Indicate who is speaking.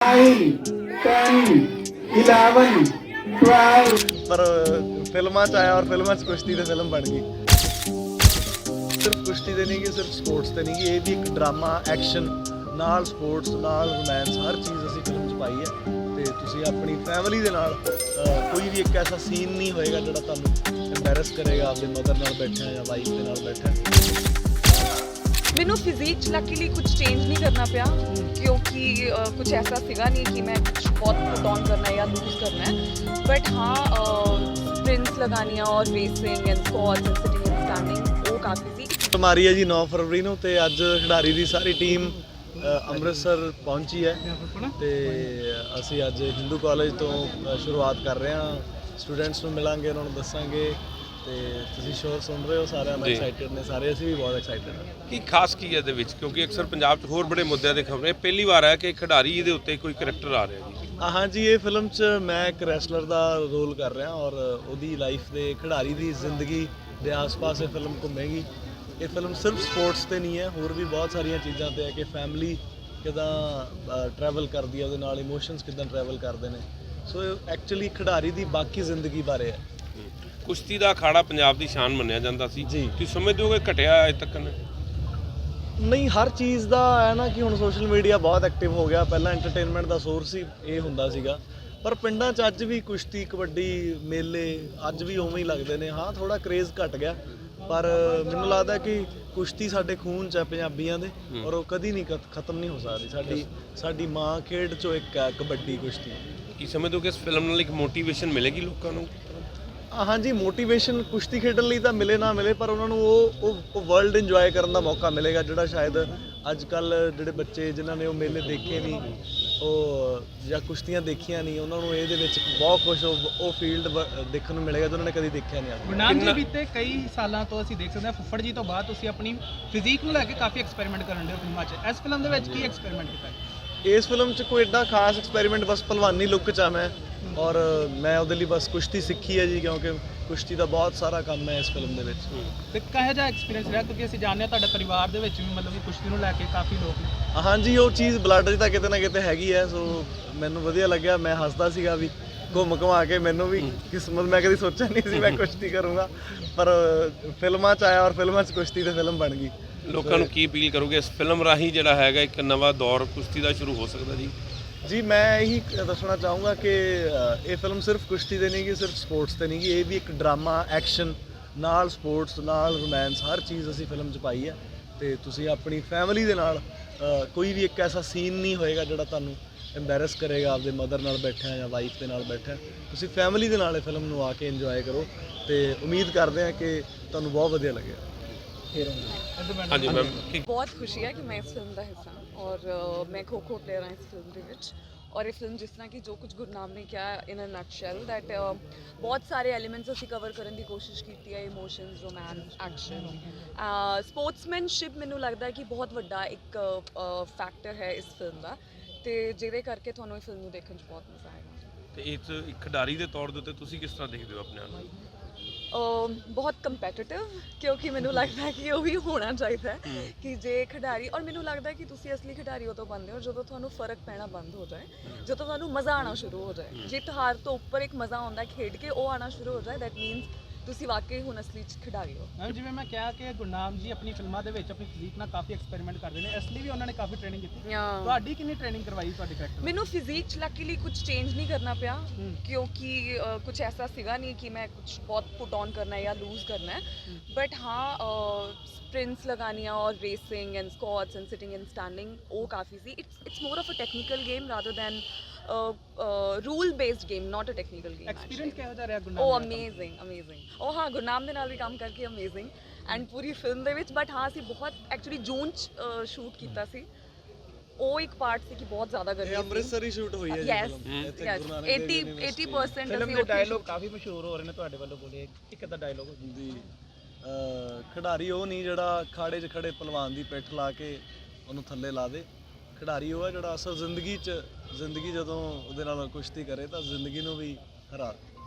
Speaker 1: पर फिल्मां च आया और फिल्मां च कुश्ती ते फिल्म बन गई। सिर्फ कुश्ती ते नहीं कि सिर्फ स्पोर्ट्स ते नहीं कि ये भी एक ड्रामा एक्शन ਨਾਲ ਸਪੋਰਟਸ ਨਾਲ ਰੋਮਾਂਸ ਹਰ ਚੀਜ਼ ਅਸੀਂ ਫਿਲਮ 'ਚ ਪਾਈ ਹੈ ਤੇ ਤੁਸੀਂ ਆਪਣੀ ਫੈਮਿਲੀ ਦੇ ਨਾਲ ਕੋਈ ਵੀ ਇੱਕ ਐਸਾ ਸੀਨ ਨਹੀਂ ਹੋਏਗਾ ਜਿਹੜਾ ਤੁਹਾਨੂੰ ਐਮਬੈਰਸ ਕਰੇਗਾ ਆਪਦੇ ਮਦਰ ਨਾਲ ਬੈਠਿਆ ਜਾਂ ਵਾਈਫ ਦੇ ਨਾਲ ਬੈਠਿਆ।
Speaker 2: ਮੈਨੂੰ ਫਿਜ਼ੀਕ 'ਚ ਲੱਕੀਲੀ ਕੁਝ ਚੇਂਜ ਨਹੀਂ ਕਰਨਾ ਪਿਆ ਕਿਉਂਕਿ ਕੁਝ ਐਸਾ ਸੀਗਾ ਨਹੀਂ ਕਿ ਮੈਂ ਕੁਝ ਬਹੁਤ ਪੁਟ ਔਨ ਕਰਨਾ ਹੈ ਜਾਂ ਲੂਜ਼ ਕਰਨਾ ਹੈ ਬਟ ਹਾਂ ਸਪ੍ਰਿੰਟਸ ਲਗਾਉਣੀਆਂ ਔਰ racing and squats and sitting and standing ਉਹ ਕਾਫੀ ਸੀ।
Speaker 1: ਮਾਰੀ ਹੈ ਜੀ 9 ਫਰਵਰੀ ਨੂੰ ਤੇ ਅੱਜ ਖਿਡਾਰੀ ਦੀ ਸਾਰੀ ਟੀਮ ਅੰਮ੍ਰਿਤਸਰ ਪਹੁੰਚੀ ਹੈ ਤੇ ਅਸੀਂ ਅੱਜ ਹਿੰਦੂ ਕਾਲਜ ਤੋਂ ਸ਼ੁਰੂਆਤ ਕਰ ਰਹੇ ਹਾਂ। ਸਟੂਡੈਂਟਸ ਨੂੰ ਮਿਲਾਂਗੇ, ਉਹਨਾਂ ਨੂੰ ਦੱਸਾਂਗੇ ਤੇ ਤੁਸੀਂ ਸ਼ੋਰ ਸੁਣ ਰਹੇ ਹੋ, ਸਾਰਿਆਂ ਨੂੰ ਐਕਸਾਈਟਡ ਨੇ, ਸਾਰੇ ਅਸੀਂ ਵੀ ਬਹੁਤ ਐਕਸਾਈਟਡ ਹਾਂ।
Speaker 3: ਕੀ ਖਾਸ ਕੀ ਹੈ ਇਹਦੇ ਵਿੱਚ ਕਿਉਂਕਿ ਅਕਸਰ ਪੰਜਾਬ 'ਚ ਹੋਰ ਬੜੇ ਮੁੱਦਿਆਂ ਦੇ ਖਬਰਾਂ ਪਹਿਲੀ ਵਾਰ ਹੈ ਕਿ ਖਿਡਾਰੀ ਇਹਦੇ ਉੱਤੇ ਕੋਈ ਕਰੈਕਟਰ ਆ ਰਿਹਾ ਜੀ।
Speaker 1: ਹਾਂਜੀ, ਇਹ ਫਿਲਮ 'ਚ ਮੈਂ ਇੱਕ ਰੈਸਲਰ ਦਾ ਰੋਲ ਕਰ ਰਿਹਾ ਔਰ ਉਹਦੀ ਲਾਈਫ ਦੇ ਖਿਡਾਰੀ ਦੀ ਜ਼ਿੰਦਗੀ ਦੇ ਆਸ-ਪਾਸ ਇਹ ਫਿਲਮ ਘੁੰਮੇਗੀ। ਇਹ ਫਿਲਮ ਸਿਰਫ ਸਪੋਰਟਸ ਤੇ ਨਹੀਂ ਹੈ, ਹੋਰ ਵੀ ਬਹੁਤ ਸਾਰੀਆਂ ਚੀਜ਼ਾਂ ਤੇ ਹੈ ਕਿ ਫੈਮਿਲੀ ਕਿੱਦਾਂ ਟਰੈਵਲ ਕਰਦੀ ਹੈ, ਉਹਦੇ ਨਾਲ ਇਮੋਸ਼ਨਸ ਕਿੱਦਾਂ ਟਰੈਵਲ ਕਰਦੇ ਨੇ। ਸੋ ਐਕਚੁਅਲੀ ਖਿਡਾਰੀ ਦੀ ਬਾਕੀ ਜ਼ਿੰਦਗੀ ਬਾਰੇ ਹੈ।
Speaker 3: ਕੁਸ਼ਤੀ ਦਾ ਅਖਾੜਾ ਪੰਜਾਬ ਦੀ ਸ਼ਾਨ ਮੰਨਿਆ ਜਾਂਦਾ ਸੀ, ਤੁਸੀਂ ਸਮਝਦੇ ਹੋ ਕਿ ਘਟਿਆ ਅਜੇ ਤੱਕ?
Speaker 1: ਨਹੀਂ, ਹਰ ਚੀਜ਼ ਦਾ ਹੈ ਨਾ ਕਿ ਹੁਣ ਸੋਸ਼ਲ ਮੀਡੀਆ ਬਹੁਤ ਐਕਟਿਵ ਹੋ ਗਿਆ। ਪਹਿਲਾਂ ਐਂਟਰਟੇਨਮੈਂਟ ਦਾ ਸੋਰਸ ਹੀ ਇਹ ਹੁੰਦਾ ਸੀਗਾ, ਪਰ ਪਿੰਡਾਂ 'ਚ ਅੱਜ ਵੀ ਕੁਸ਼ਤੀ, ਕਬੱਡੀ, ਮੇਲੇ ਅੱਜ ਵੀ ਉਵੇਂ ਹੀ ਲੱਗਦੇ ਨੇ। ਹਾਂ, ਥੋੜਾ ਕਰੇਜ਼ ਘਟ ਗਿਆ ਪਰ ਮੈਨੂੰ ਲੱਗਦਾ ਕਿ ਕੁਸ਼ਤੀ ਸਾਡੇ ਖੂਨ 'ਚ ਹੈ ਪੰਜਾਬੀਆਂ ਦੇ ਔਰ ਉਹ ਕਦੀ ਨਹੀਂ ਖਤਮ ਨਹੀਂ ਹੋ ਸਕਦੀ। ਸਾਡੀ ਮਾਂ ਖੇਡ 'ਚੋਂ ਇੱਕ ਹੈ ਕਬੱਡੀ, ਕੁਸ਼ਤੀ।
Speaker 3: ਕੀ ਸਮਝਦੇ ਹੋ ਕਿ ਇਸ ਫਿਲਮ ਨਾਲ ਇੱਕ ਮੋਟੀਵੇਸ਼ਨ ਮਿਲੇਗੀ ਲੋਕਾਂ ਨੂੰ?
Speaker 1: ਹਾਂਜੀ, ਮੋਟੀਵੇਸ਼ਨ ਕੁਸ਼ਤੀ ਖੇਡਣ ਲਈ ਤਾਂ ਮਿਲੇ ਨਾ ਮਿਲੇ ਪਰ ਉਹਨਾਂ ਨੂੰ ਉਹ ਵਰਲਡ ਇੰਜੋਏ ਕਰਨ ਦਾ ਮੌਕਾ ਮਿਲੇਗਾ ਜਿਹੜਾ ਸ਼ਾਇਦ ਅੱਜ ਕੱਲ੍ਹ ਜਿਹੜੇ ਬੱਚੇ ਜਿਨ੍ਹਾਂ ਨੇ ਉਹ ਮੇਲੇ ਦੇਖੇ ਨਹੀਂ ਉਹ ਜਾਂ ਕੁਸ਼ਤੀਆਂ ਦੇਖੀਆਂ ਨਹੀਂ, ਉਹਨਾਂ ਨੂੰ ਇਹਦੇ ਵਿੱਚ ਬਹੁਤ ਕੁਝ ਉਹ ਫੀਲਡ ਦੇਖਣ ਨੂੰ ਮਿਲੇਗਾ ਜਿਹਨਾਂ ਨੇ ਕਦੀ ਦੇਖਿਆ ਨਹੀਂ।
Speaker 4: ਗੁਰਨਾਮ ਜੀ, ਬੀਤੇ ਕਈ ਸਾਲਾਂ ਤੋਂ ਅਸੀਂ ਦੇਖ ਸਕਦੇ ਹਾਂ ਫੁੱਫੜ ਜੀ ਤੋਂ ਬਾਅਦ ਤੁਸੀਂ ਆਪਣੀ ਫਿਜ਼ੀਕ ਨੂੰ ਲੈ ਕੇ ਕਾਫੀ ਐਕਸਪੈਰੀਮੈਂਟ ਕਰਨ ਦੇ ਫਿਲਮਾਂ 'ਚ। ਇਸ ਫਿਲਮ ਦੇ ਵਿੱਚ ਕੀ ਐਕਸਪੈਰੀਮੈਂਟ ਕੀਤਾ?
Speaker 1: ਇਸ ਫਿਲਮ 'ਚ ਕੋਈ ਐਡਾ ਖਾਸ ਐਕਸਪੈਰੀਮੈਂਟ, ਬਸ ਭਲਵਾਨੀ ਲੁੱਕ 'ਚ ਆ ਮੈਂ ਔਰ ਮੈਂ ਉਹਦੇ ਲਈ ਬਸ ਕੁਸ਼ਤੀ ਸਿੱਖੀ ਹੈ ਜੀ ਕਿਉਂਕਿ ਕੁਸ਼ਤੀ ਦਾ ਬਹੁਤ ਸਾਰਾ ਕੰਮ ਹੈ ਇਸ ਫਿਲਮ ਦੇ ਵਿੱਚ।
Speaker 4: ਤੇ ਕਿਹੋ ਜਿਹਾ ਐਕਸਪੀਰੀਅੰਸ ਰਿਹਾ ਕਿਉਂਕਿ ਅਸੀਂ ਜਾਣਦੇ ਹਾਂ ਤੁਹਾਡੇ ਪਰਿਵਾਰ ਦੇ ਵਿੱਚ ਵੀ ਮਤਲਬ ਕਿ ਕੁਸ਼ਤੀ ਨੂੰ ਲੈ ਕੇ ਕਾਫੀ ਲੋਕ ਨੇ।
Speaker 1: ਹਾਂਜੀ, ਉਹ ਚੀਜ਼ ਬਲੱਡ 'ਚ ਤਾਂ ਕਿਤੇ ਨਾ ਕਿਤੇ ਹੈਗੀ ਹੈ। ਸੋ ਮੈਨੂੰ ਵਧੀਆ ਲੱਗਿਆ, ਮੈਂ ਹੱਸਦਾ ਸੀਗਾ ਵੀ ਘੁੰਮ ਘੁਮਾ ਕੇ ਮੈਨੂੰ ਵੀ ਕਿਸਮਤ, ਮੈਂ ਕਦੀ ਸੋਚਿਆ ਨਹੀਂ ਸੀ ਮੈਂ ਕੁਸ਼ਤੀ ਕਰੂੰਗਾ ਪਰ ਫਿਲਮਾਂ 'ਚ ਆਇਆ ਔਰ ਫਿਲਮਾਂ 'ਚ ਕੁਸ਼ਤੀ ਤੇ ਫਿਲਮ ਬਣ ਗਈ।
Speaker 3: ਲੋਕਾਂ ਨੂੰ ਕੀ ਅਪੀਲ ਕਰੋਗੇ ਇਸ ਫਿਲਮ ਰਾਹੀਂ ਜਿਹੜਾ ਹੈਗਾ ਇੱਕ ਨਵਾਂ ਦੌਰ ਕੁਸ਼ਤੀ ਦਾ ਸ਼ੁਰੂ ਹੋ ਸਕਦਾ ਜੀ?
Speaker 1: ਜੀ, ਮੈਂ ਇਹੀ ਦੱਸਣਾ ਚਾਹੂੰਗਾ ਕਿ ਇਹ ਫਿਲਮ ਸਿਰਫ ਕੁਸ਼ਤੀ ਤੇ ਨਹੀਂ ਕਿ ਸਿਰਫ ਸਪੋਰਟਸ ਤੇ ਨਹੀਂ ਕਿ ਇਹ ਵੀ ਇੱਕ ਡਰਾਮਾ ਐਕਸ਼ਨ ਨਾਲ ਸਪੋਰਟਸ ਨਾਲ ਰੋਮਾਂਸ ਹਰ ਚੀਜ਼ ਅਸੀਂ ਫਿਲਮ 'ਚ ਪਾਈ ਹੈ ਤੇ ਤੁਸੀਂ ਆਪਣੀ ਫੈਮਿਲੀ ਦੇ ਨਾਲ ਕੋਈ ਵੀ ਇੱਕ ਐਸਾ ਸੀਨ ਨਹੀਂ ਹੋਏਗਾ ਜਿਹੜਾ ਤੁਹਾਨੂੰ ਐਮਬੈਰਸ ਕਰੇਗਾ ਆਪਦੇ ਮਦਰ ਨਾਲ ਬੈਠਿਆ ਜਾਂ ਵਾਈਫ ਦੇ ਨਾਲ ਬੈਠਿਆ। ਤੁਸੀਂ ਫੈਮਿਲੀ ਦੇ ਨਾਲ ਇਹ ਫਿਲਮ ਨੂੰ ਆ ਕੇ ਇੰਜੋਏ ਕਰੋ ਤੇ ਉਮੀਦ ਕਰਦੇ ਹਾਂ ਕਿ ਤੁਹਾਨੂੰ ਬਹੁਤ ਵਧੀਆ ਲੱਗੇਗਾ।
Speaker 3: ਹਾਂਜੀ ਮੈਮ,
Speaker 2: ਬਹੁਤ ਖੁਸ਼ੀ ਹੈ ਕਿ ਮੈਂ ਇਸ ਫਿਲਮ ਦਾ ਹਿੱਸਾ ਔਰ ਮੈਂ ਖੋ-ਖੋ ਪਲੇਅਰ ਹਾਂ ਇਸ ਫਿਲਮ ਦੇ ਵਿੱਚ ਔਰ ਇਹ ਫਿਲਮ ਜਿਸ ਤਰ੍ਹਾਂ ਕਿ ਜੋ ਕੁਝ ਗੁਰਨਾਮ ਨੇ ਕਿਹਾ ਇਨ ਅ ਨਟਸ਼ੈਲ ਦੈਟ ਬਹੁਤ ਸਾਰੇ ਐਲੀਮੈਂਟਸ ਅਸੀਂ ਕਵਰ ਕਰਨ ਦੀ ਕੋਸ਼ਿਸ਼ ਕੀਤੀ ਹੈ, ਇਮੋਸ਼ਨਸ, ਰੋਮਾਂਸ, ਐਕਸ਼ਨ, ਸਪੋਰਟਸਮੈਨਸ਼ਿਪ। ਮੈਨੂੰ ਲੱਗਦਾ ਕਿ ਬਹੁਤ ਵੱਡਾ ਇੱਕ ਫੈਕਟਰ ਹੈ ਇਸ ਫਿਲਮ ਦਾ ਤੇ ਜਿਹਦੇ ਕਰਕੇ ਤੁਹਾਨੂੰ ਇਹ ਫਿਲਮ ਨੂੰ ਦੇਖਣ 'ਚ ਬਹੁਤ ਮਜ਼ਾ ਆਏਗਾ।
Speaker 3: ਤੇ ਇਸ ਇੱਕ ਖਿਡਾਰੀ ਦੇ ਤੌਰ ਦੇ ਉੱਤੇ ਤੁਸੀਂ ਕਿਸ ਤਰ੍ਹਾਂ ਦੇਖਦੇ ਹੋ ਆਪਣੇ ਆਪ ਨੂੰ?
Speaker 2: ਬਹੁਤ ਕੰਪੈਟੀਟਿਵ ਕਿਉਂਕਿ ਮੈਨੂੰ ਲੱਗਦਾ ਕਿ ਉਹ ਵੀ ਹੋਣਾ ਚਾਹੀਦਾ ਹੈ ਕਿ ਜੇ ਖਿਡਾਰੀ ਔਰ ਮੈਨੂੰ ਲੱਗਦਾ ਕਿ ਤੁਸੀਂ ਅਸਲੀ ਖਿਡਾਰੀ ਉਦੋਂ ਬਣਦੇ ਹੋ ਜਦੋਂ ਤੁਹਾਨੂੰ ਫਰਕ ਪੈਣਾ ਬੰਦ ਹੋ ਜਾਏ, ਜਦੋਂ ਤੁਹਾਨੂੰ ਮਜ਼ਾ ਆਉਣਾ ਸ਼ੁਰੂ ਹੋ ਜਾਏ। ਜਿੱਤ ਹਾਰ ਤੋਂ ਉੱਪਰ ਇੱਕ ਮਜ਼ਾ ਆਉਂਦਾ ਖੇਡ ਕੇ, ਉਹ ਆਉਣਾ ਸ਼ੁਰੂ ਹੋ ਜਾਏ, ਦੈਟ ਮੀਨਸ ਤੁਸੀਂ ਵਾਕਈ ਹੁਣ ਅਸਲੀ 'ਚ ਖਿਡਾਰੀ ਹੋ।
Speaker 4: ਮੈਮ, ਜਿਵੇਂ ਮੈਂ ਕਿਹਾ ਕਿ ਗੁਰਨਾਮ ਜੀ ਆਪਣੀ ਫਿਲਮਾਂ ਦੇ ਵਿੱਚ ਆਪਣੀ ਫਿਜ਼ੀਕ ਨਾਲ ਕਾਫੀ ਐਕਸਪੈਰੀਮੈਂਟ ਕਰਦੇ ਨੇ, ਇਸ ਲਈ ਵੀ ਉਹਨਾਂ ਨੇ ਕਾਫੀ ਟ੍ਰੇਨਿੰਗ ਕੀਤੀ। ਤੁਹਾਡੀ ਕਿੰਨੀ ਟ੍ਰੇਨਿੰਗ ਕਰਵਾਈ ਤੁਹਾਡੇ ਕਰੈਕਟਰ?
Speaker 2: ਮੈਨੂੰ ਫਿਜ਼ੀਕ 'ਚ ਲੱਕੀਲੀ ਕੁਝ ਚੇਂਜ ਨਹੀਂ ਕਰਨਾ ਪਿਆ ਕਿਉਂਕਿ ਕੁਝ ਐਸਾ ਸੀਗਾ ਨਹੀਂ ਕਿ ਮੈਂ ਕੁਝ ਬਹੁਤ ਪੁਟ ਔਨ ਕਰਨਾ ਹੈ ਜਾਂ ਲੂਜ਼ ਕਰਨਾ ਹੈ ਬਟ ਹਾਂ ਸਪ੍ਰਿੰਟਸ ਲਗਾਉਣੀਆਂ ਔਰ racing and squats and sitting and standing ਉਹ ਕਾਫੀ ਸੀ। It's more of a technical game rather than rule based game, not a technical game.
Speaker 4: Experience ਕਿਹੋ ਜਿਹਾ ਰਿਹਾ ਗੁਰਨਾਮ?
Speaker 2: ਉਹ ਅਮੇਜ਼ਿੰਗ। ਉਹ ਹਾਂ, ਗੁਰਨਾਮ ਦੇ ਨਾਲ ਵੀ ਕੰਮ ਕਰਕੇ ਅਮੇਜ਼ਿੰਗ ਐਂਡ ਪੂਰੀ ਫਿਲਮ ਦੇ ਵਿੱਚ। ਬਟ ਹਾਂ, ਅਸੀਂ ਬਹੁਤ ਐਕਚੁਅਲੀ ਜੂਨ 'ਚ ਸ਼ੂਟ ਕੀਤਾ ਸੀ। ਉਹ ਇੱਕ ਪਾਰਟ ਸੀ ਕਿ ਬਹੁਤ ਜ਼ਿਆਦਾ ਗਰਮੀ ਸੀ।
Speaker 1: ਅੰਮ੍ਰਿਤਸਰ ਹੀ ਸ਼ੂਟ ਹੋਈ ਹੈ ਜੀ ਫਿਲਮ।
Speaker 2: 80%
Speaker 4: ਫਿਲਮ ਦੇ ਡਾਇਲੋਗ ਕਾਫੀ ਮਸ਼ਹੂਰ ਹੋ ਰਹੇ ਨੇ ਤੁਹਾਡੇ ਵੱਲੋਂ ਬੋਲੇ, ਇੱਕ ਅੱਧਾ ਡਾਇਲੋਗ
Speaker 1: ਦੀ ਖਿਡਾਰੀ ਉਹ ਨਹੀਂ ਜਿਹੜਾ ਖਾੜੇ 'ਚ ਖੜੇ ਪਹਿਲਵਾਨ ਦੀ ਪਿੱਠ ਲਾ ਕੇ ਉਹਨੂੰ ਥੱਲੇ ਲਾ ਦੇ। ਖਿਡਾਰੀ ਉਹ ਹੈ ਜਿਹੜਾ ਅਸਲ ਜ਼ਿੰਦਗੀ ਜਦੋਂ ਉਹਦੇ ਨਾਲ ਕੁਸ਼ਤੀ ਕਰੇ ਤਾਂ ਜ਼ਿੰਦਗੀ ਨੂੰ ਵੀ ਹਰਾ